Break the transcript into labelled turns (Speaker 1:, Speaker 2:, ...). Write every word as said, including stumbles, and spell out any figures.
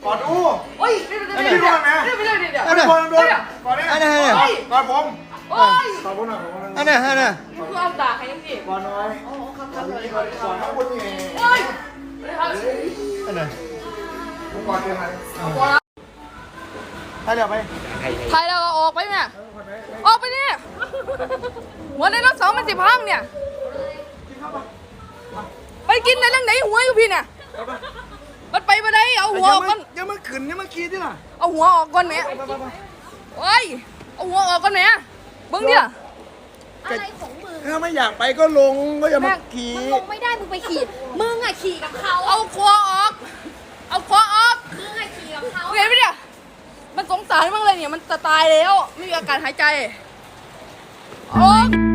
Speaker 1: อดอู
Speaker 2: โอ้ยเดี๋ยวเดี๋ยวเดี๋ยวเดี๋ยวเดี๋ยวเดี๋ยวเดี๋ยว
Speaker 1: ก่อนก่อนก่อนเนี่ยก่อนผม
Speaker 2: โอ้ย
Speaker 1: ก่อนผมหน่อยก่อน
Speaker 3: อันนี้อันนี้
Speaker 2: มึงคือเอาด่าใครยังสิ
Speaker 1: ก่อนน้อย
Speaker 2: โอ้ครับค
Speaker 1: ก่
Speaker 2: รั
Speaker 1: อบ น
Speaker 2: เลย
Speaker 1: ก่อนก่อนทั้งคนนี่
Speaker 2: โอ้ยครับ
Speaker 3: อันนี้
Speaker 1: ผมก่อนเดียวกัน
Speaker 3: ไปเดี๋ยวไป
Speaker 2: ไทยแล้วก็ออกไปเนี่ยออกไปเนี่ยหัวในรถสองมันสิพังเนี่ยไปกินในเรื่องไหนหัวอยู่พี่เนี่ยมันไปมาได้เอาหัวออกก่อน
Speaker 3: ยังมาขึ้นยังมาขี่ที่ล่ะ
Speaker 2: เอาหัวออกก่อนแม่โอ้ยเอาหัวออกก่อนแม่เบิ้งดิล่ะ
Speaker 4: อะไรของมึง
Speaker 3: ถ้าไม่อยากไปก็ลงก็อย่ามาขี่
Speaker 4: มึงลงไม่ได้ มึงไปขี่ มึงอะขี่กับเขา
Speaker 2: เอาคอออก เอาคอออก
Speaker 4: มึงอะขี่กับเขา
Speaker 2: เห็นไหมเนี่ยมันสงสารมากเลยเนี่ยมันจะตายแล้วไม่มีอากาศหายใจออก